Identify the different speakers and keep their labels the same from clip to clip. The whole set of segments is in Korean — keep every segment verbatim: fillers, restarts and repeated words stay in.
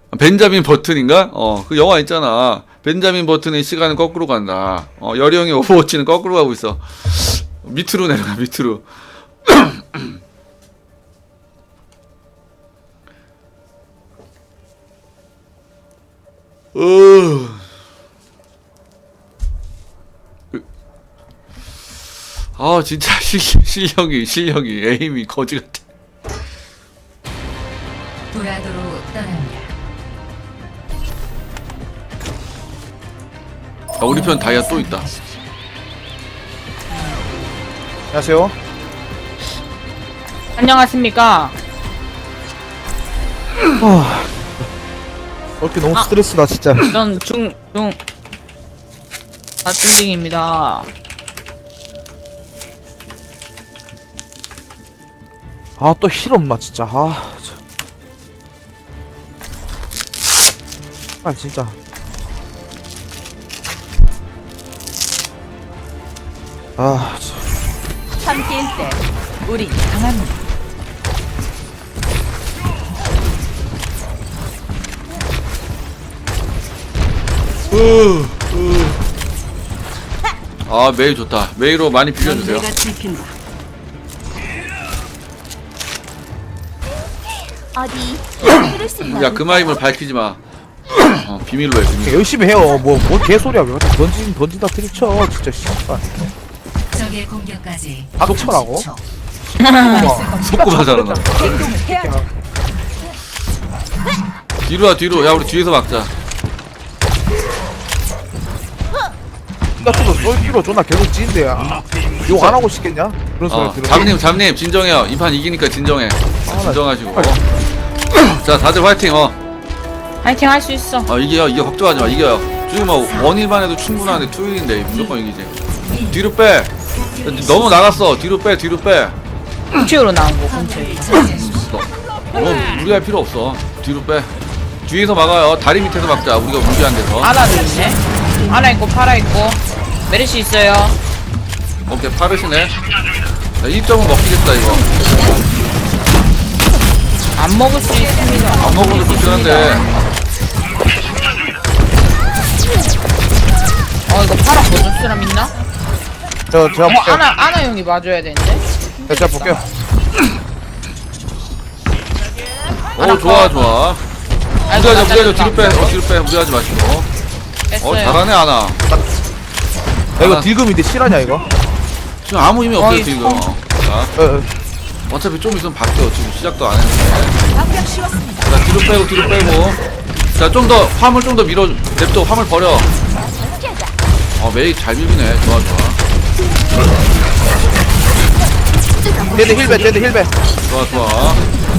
Speaker 1: 벤자민 버튼인가? 어, 그 영화 있잖아. 벤자민 버튼의 시간은 거꾸로 간다. 어, 여령의 오버워치는 거꾸로 가고 있어. 밑으로 내려가, 밑으로. 어... 아, 진짜 실, 실력이, 실력이, 에임이 거지 같아.
Speaker 2: 도라도로 떠납니다.
Speaker 1: 아, 우리 편 다이아 또 있다.
Speaker 3: 안녕하세요.
Speaker 4: 안녕하십니까.
Speaker 3: 아, 어떻게 너무
Speaker 4: 아.
Speaker 3: 스트레스다 진짜.
Speaker 4: 전 중, 중, 아, 중딩입니다.
Speaker 3: 아, 또 힐 엄마 진짜. 아, 참. 아, 진짜. 아, 참.
Speaker 2: 함께일 때 우리 강합니다.
Speaker 1: 아, 메이 좋다. 메이로 많이 빌려주세요.
Speaker 2: 내가 지킨다.
Speaker 5: 어디 들을 수 있나?
Speaker 1: 야, 그마 힘을 밝히지 마. 어, 비밀로 해, 비밀.
Speaker 3: 열심히 해요. 뭐, 뭔 개소리야. 왜 갖다 던진, 던진다 들이쳐. 진짜, 씨발.
Speaker 2: 적의 공격까지
Speaker 3: 닥쳐라고?
Speaker 2: 초.
Speaker 1: 속고가 잘한다. 뒤로 와, 뒤로. 야, 우리 뒤에서 막자.
Speaker 3: 같은 거 쏠 필요 존나 계속 찌는데야. 욕 안 하고 싶겠냐? 그런 소리
Speaker 1: 어,
Speaker 3: 들어.
Speaker 1: 잠님, 잠님, 진정해요. 이 판 이기니까 진정해.
Speaker 3: 나
Speaker 1: 진정하시고. 어. 자, 다들 화이팅, 어.
Speaker 4: 파이팅 할 수 있어.
Speaker 1: 어, 이겨요, 이겨. 걱정하지 마, 이겨요. 지금 뭐, 원일만 해도 충분한데, 투일인데, 무조건 이기지. 뒤로 빼. 너무 나갔어. 뒤로 빼, 뒤로 빼.
Speaker 4: 공치으로 나온 거, 공치.
Speaker 1: 뭐, 무리할 필요 없어. 뒤로 빼. 뒤에서 막아요. 다리 밑에서 막자. 우리가 무리한 데서.
Speaker 4: 아나도 있네. 아나 있고, 파라 있고, 메르시 있어요.
Speaker 1: 오케이, 파르시네. 자, 일 점은 먹히겠다, 이거.
Speaker 4: 안 먹을 수 있습니다.
Speaker 1: 안 먹어도 좋긴 한데.
Speaker 4: 어, 이거 파라 먹을 사람 있나?
Speaker 3: 저, 제가
Speaker 4: 어,
Speaker 3: 볼게요.
Speaker 4: 아나, 아나 형이 맞아야 되는데.
Speaker 3: 네, 제가 볼게요.
Speaker 1: 오, 좋아, 좋아.
Speaker 4: 아이고,
Speaker 1: 무리하자,
Speaker 4: 나
Speaker 1: 무리하자. 뒤로
Speaker 4: 잘렸다.
Speaker 1: 빼. 어, 뒤로 빼. 무리하지 마시고. 어,
Speaker 4: 뺐어요.
Speaker 1: 잘하네, 아나.
Speaker 3: 야, 이거
Speaker 1: 아.
Speaker 3: 딜금인데 실화냐, 이거?
Speaker 1: 지금 아무 힘이 없어요,
Speaker 4: 어이,
Speaker 1: 지금.
Speaker 4: 어.
Speaker 1: 자,
Speaker 3: 어, 어.
Speaker 1: 어차피 좀 있으면 바뀌어. 지금 시작도 안 했는데. 자, 뒤로 빼고, 뒤로 빼고. 자, 좀 더, 화물 좀 더 밀어. 냅둬, 화물 버려. 어, 메이 잘 밀리네. 좋아, 좋아.
Speaker 3: 데드 힐배, 데드 힐배.
Speaker 1: 좋아, 좋아.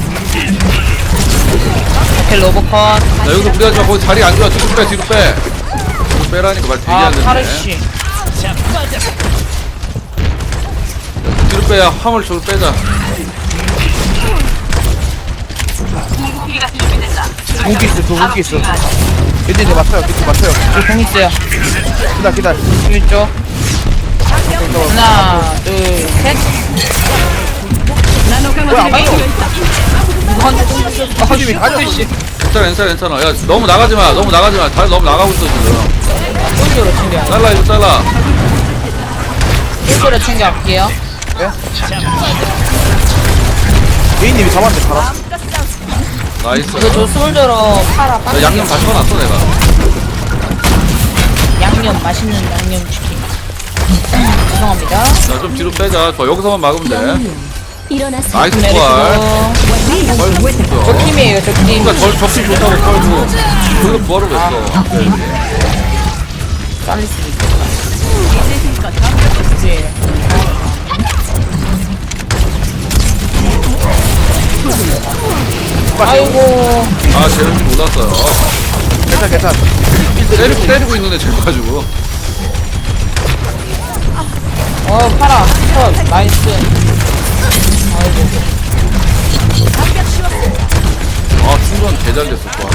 Speaker 4: 오케이, 로보컷.
Speaker 1: 자, 여기서 무리하지 마. 거기 자리 안 좋아. 뒤로 빼, 뒤로 빼. 뒤로 빼라니까 말 되게
Speaker 4: 아,
Speaker 1: 안 되네.
Speaker 4: 파르시.
Speaker 1: 뒤로 빼야 화물 저로 빼자.
Speaker 3: 무기 있어, 저 무기 있어. 이제 이제 맞춰요, 이제 맞춰요.
Speaker 4: 여기 공 있어요.
Speaker 3: 기다, 기다.
Speaker 4: 이쪽. 하나, 둘, 셋.
Speaker 3: 뭐야, 안 맞춰.
Speaker 4: 허집이 가졌어.
Speaker 1: 괜찮아, 괜찮아, 괜찮아. 야, 너무 나가지 마. 너무 나가지 마. 다리 너무 나가고 있어, 지금.
Speaker 4: 꼴조로 챙겨.
Speaker 1: 잘라, 이거 잘라.
Speaker 4: 꼴조로 챙겨갈게요.
Speaker 3: 예인님이 잡았는데, 팔아.
Speaker 1: 나이스.
Speaker 4: 이거 저 솔저로 파라
Speaker 1: 야,
Speaker 4: 빠져.
Speaker 1: 양념 다 쳐놨어, 내가.
Speaker 4: 양념, 맛있는 양념 치킨. 죄송합니다.
Speaker 1: 자, 좀 뒤로 빼자. 저 여기서만 막으면 돼.
Speaker 5: 일어나서
Speaker 1: 나이스
Speaker 4: 메리고.
Speaker 1: 부활.
Speaker 4: 저 팀이에요, 저 팀.
Speaker 1: 그러니까 저 적팀 좋다고 펄고. 거기서 부활을 왜 써?
Speaker 4: 잘릴 수도 있겠다. 네. 아이고.
Speaker 1: 아, 쟤는 줄 몰랐어요.
Speaker 3: 괜찮아, 괜찮아.
Speaker 1: 때리고, 때리고 있는데 쟤 가지고.
Speaker 4: 어, 파라. 컷. 나이스. 아이고.
Speaker 1: 아, 충전 개잘 됐어, 좋아.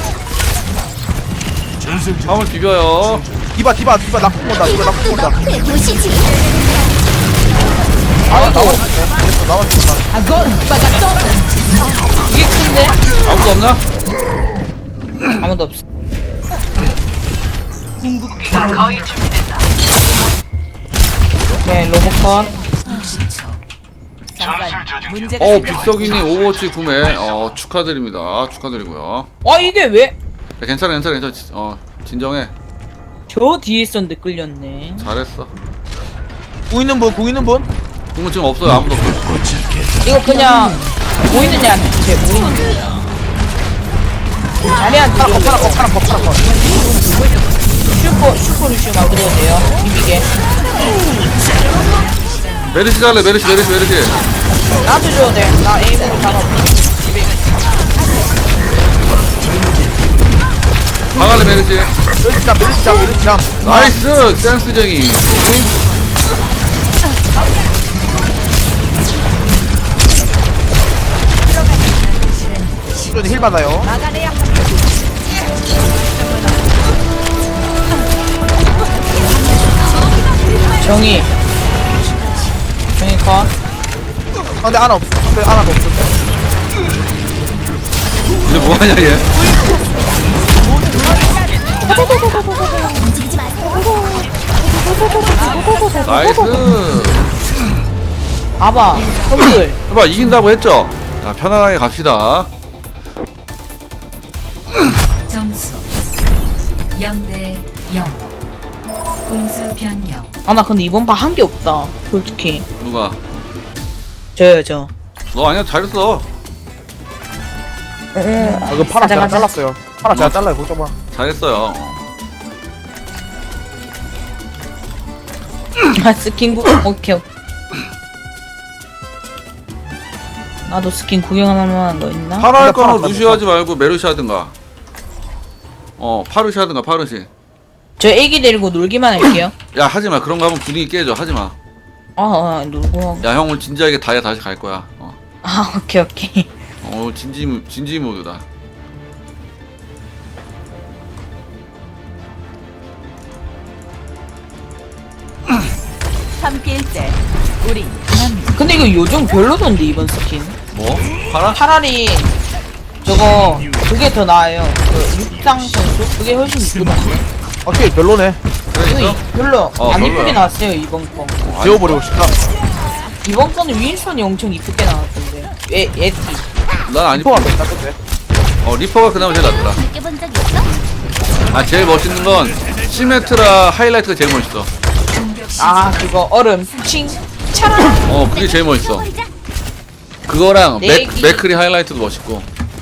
Speaker 1: 화물 비벼요.
Speaker 3: 디바, 디바, 디바, 낙품 온다, 디바, 낙품 온다.
Speaker 5: 너의 도시지.
Speaker 3: 아, 나왔네. 됐어, 나왔어.
Speaker 4: 이게 큰데?
Speaker 1: 아무도 없나?
Speaker 4: 아무도 없어. 네, 로봇컷.
Speaker 2: 육십 초.
Speaker 1: 어 빅석이니 오버워치 구매 어 축하드립니다. 축하드리고요.
Speaker 4: 아, 이게 왜?
Speaker 1: 야, 괜찮아 괜찮아 괜찮아. 지- 어 진정해.
Speaker 4: 저 뒤에 있었는데 끌렸네.
Speaker 1: 잘했어.
Speaker 3: 공 있는 분, 공 있는 분?
Speaker 1: 공은 지금 없어요. 아무도 없어.
Speaker 4: 이거 그냥 보이는 애한테 제 모르는 거야. 자리한테
Speaker 3: 파라 컷, 파라 컷, 파라 컷, 파라 컷.
Speaker 4: 슈퍼 슈퍼 루시오 만들어도 돼요. 비비게.
Speaker 1: 메르시 잘래 메르시 메르시 메르시.
Speaker 4: 나도 줘도 돼. 나 에임으로 잡아.
Speaker 1: 방할래 메르시.
Speaker 3: 멜리짱, 멜리짱, 멜리짱.
Speaker 1: 나이스 댄스쟁이.
Speaker 3: 시즌 힐 받아요.
Speaker 4: 정이. 정이 컷.
Speaker 3: 아, 근데 하나 없어. 근데 하나도 없어.
Speaker 1: 이제 뭐하냐 얘.
Speaker 5: 움직이지 마세요.
Speaker 1: 나이스.
Speaker 4: 봐봐. 형들.
Speaker 1: 해봐 이긴다고 했죠. 자 편안하게 갑시다.
Speaker 2: 점수 영 대 영. 공수 변경.
Speaker 4: 아, 나 근데 이번 판 한 게 없다. 솔직히.
Speaker 1: 누가?
Speaker 4: 저요, 저.
Speaker 1: 너 아니야 잘했어.
Speaker 3: 아, 그 파라 제가 잘랐어요. 파라 제가 잘라요. 걱정 마.
Speaker 1: 잘했어요.
Speaker 4: 아, 스킨 구 오케이. 나도 스킨 구경 하나만 더 있나?
Speaker 1: 파라 할
Speaker 3: 근데 파라
Speaker 1: 거는 루시 하지 말고 메르시 하든가. 어 파르시 하든가 파르시.
Speaker 4: 저 애기 데리고 놀기만 할게요.
Speaker 1: 야 하지마 그런 거 하면 분위기 깨져 하지마.
Speaker 4: 아, 아 놀고 하고.
Speaker 1: 야 형 오늘 진지하게 다이아 다시 갈 거야. 어,
Speaker 4: 아, 오케이, 오케이.
Speaker 1: 어 오늘 진지 모- 진지 모드다.
Speaker 5: 함께일 때 우리
Speaker 4: 근데 이거 요정 별로던데, 이번 스킨.
Speaker 1: 뭐? 파라?
Speaker 4: 차라리 저거 그게 더 나아요. 그 육상 선수 그게 훨씬 이쁘던데.
Speaker 3: 오케이, 별로네.
Speaker 1: 그래
Speaker 4: 이거
Speaker 1: 있어?
Speaker 4: 이- 별로
Speaker 1: 어,
Speaker 4: 안
Speaker 1: 별로야.
Speaker 4: 이쁘게 나왔어요, 이번 거.
Speaker 3: 지워버리고 싶다.
Speaker 4: 이번 거는 윈선이 엄청 이쁘게 나왔던데. 에, 에티.
Speaker 1: 난안 이뻐.
Speaker 3: 리포가 괜찮던데.
Speaker 1: 어 리퍼가 그나마 제일 낫더라.
Speaker 5: 느껴본 적 있어?
Speaker 1: 아 제일 멋있는 건 시메트라 하이라이트가 제일 멋있어.
Speaker 4: 아, 그거 얼음 칭 차라.
Speaker 1: 어 그게 제일 멋있어. 그거랑
Speaker 4: 내
Speaker 1: 맥,
Speaker 4: 얘기-
Speaker 1: 맥크리 하이라이트도 멋있고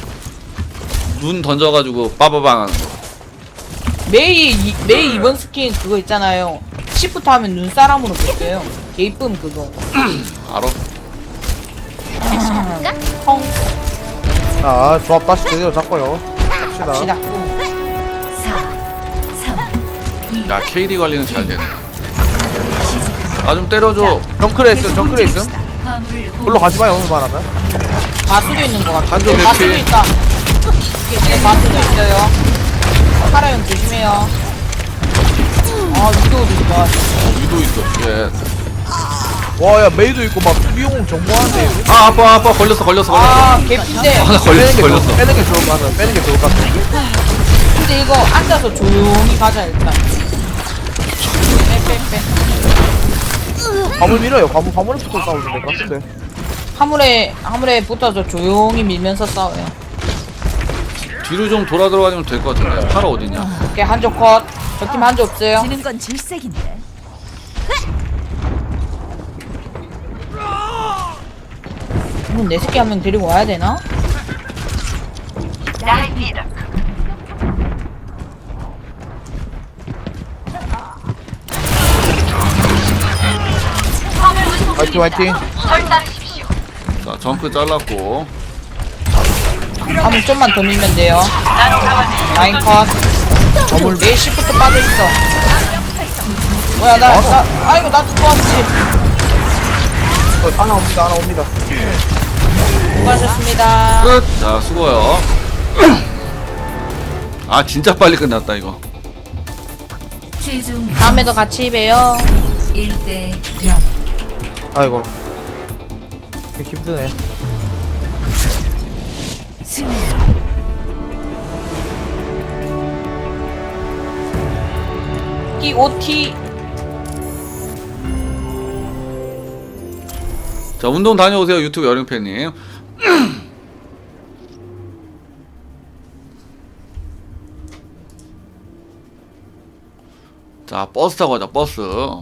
Speaker 1: 눈 던져가지고 빠바방 하는 거.
Speaker 4: 메이 이- 메이 이번 스킨 그거 있잖아요. 시프트 하면 눈사람으로 바뀌어요. 개 이쁨 그거.
Speaker 1: 알아?
Speaker 4: 펑
Speaker 3: 자, 조합 다시 제대로 잡고요. 갑시다.
Speaker 4: 갑시다.
Speaker 2: 사, 삼, 이.
Speaker 1: 야 케이디 관리는 잘 되네. 나 좀 때려줘.
Speaker 3: 정크레 있음, 정크레 있음.
Speaker 2: 화물을
Speaker 3: 별로 가지 마요, 오늘 말하면.
Speaker 4: 바수도 있는 것 같아.
Speaker 1: 한쪽
Speaker 4: 바수도
Speaker 1: 이렇게.
Speaker 4: 있다. 네, 바수도 있어요. 파라형 조심해요. 아, 위도우도 있다.
Speaker 1: 어, 위도 있어. 예.
Speaker 3: 와, 야, 메이도 있고, 막, 미용 정보하는데.
Speaker 1: 아 아빠 아빠 걸렸어 걸렸어 걸렸어.
Speaker 4: 아, 개핀데.
Speaker 1: 아, 나 걸렸어 걸렸어.
Speaker 3: 빼는 게 좋을 것 같아. 빼는 게 좋을 것 같아.
Speaker 4: 근데 이거 앉아서 조용히 가자 일단. 빼빼빼.
Speaker 3: 화물 밀어요. 화물, 화물에 붙어 싸우는데, 같은데.
Speaker 4: 화물에 화물에 붙어서 조용히 밀면서 싸워요.
Speaker 1: 뒤로 좀 돌아 들어가면 될 것 같은데. 파라 어딨냐?
Speaker 4: 오케이, 한쪽 컷. 저 팀 한쪽 없어요.
Speaker 5: 지는 건 질색인데.
Speaker 4: 이건 내 새끼 한 명 데리고 와야 되나?
Speaker 3: 화이팅, 화이팅.
Speaker 1: 자 정크 잘랐고.
Speaker 4: 한번 좀만 더 밀면 돼요. 라인 컷. 어물 내 시프트 빠져있어. 뭐야, 나, 나, 아이고, 나도 도와주지.
Speaker 3: 어, 하나 옵니다, 하나 옵니다.
Speaker 4: 수고하셨습니다.
Speaker 1: 끝. 자 수고요. 아 진짜 빨리 끝났다 이거.
Speaker 2: 최종
Speaker 4: 다음에도 같이 봬요.
Speaker 2: 일 대 영.
Speaker 3: 아이고. 되게 힘드네.
Speaker 2: 승리.
Speaker 4: 새끼 오티.
Speaker 1: 자, 운동 다녀오세요, 유튜브 여름팬님. 자, 버스 타고 가자, 버스.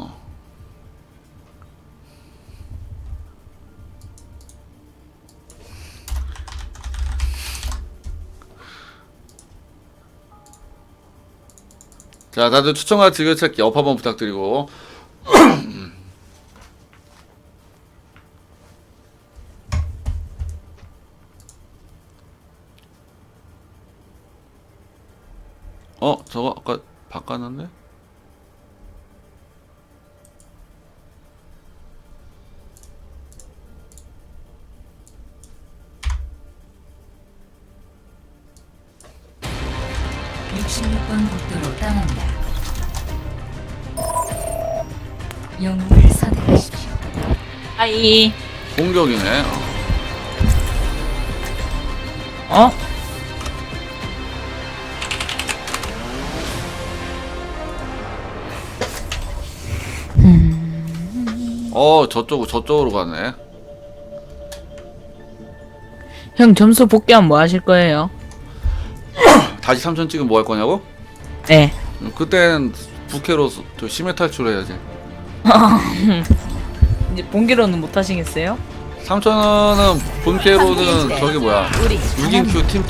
Speaker 1: 자, 다들 추천과 즐겨찾기 업 한번 부탁드리고. 어, 저거 아까 바꿨는데?
Speaker 2: 육십육 번 국도로 떠납니다. 영웅을 선택하십시오.
Speaker 4: 아이.
Speaker 1: 공격이네.
Speaker 4: 어?
Speaker 1: 어, 저쪽, 저쪽으로 가네.
Speaker 4: 형 점수 복귀하면 뭐 하실 거예요?
Speaker 1: 다시 삼천 찍으면 뭐 할 거냐고?
Speaker 4: 네.
Speaker 1: 그땐 부캐로 저 심해 탈출해야지.
Speaker 4: 이제 본기로는 못 하시겠어요?
Speaker 1: 삼천원은 본캐로는 저기 뭐야
Speaker 5: 우리
Speaker 1: 육 인 큐 팀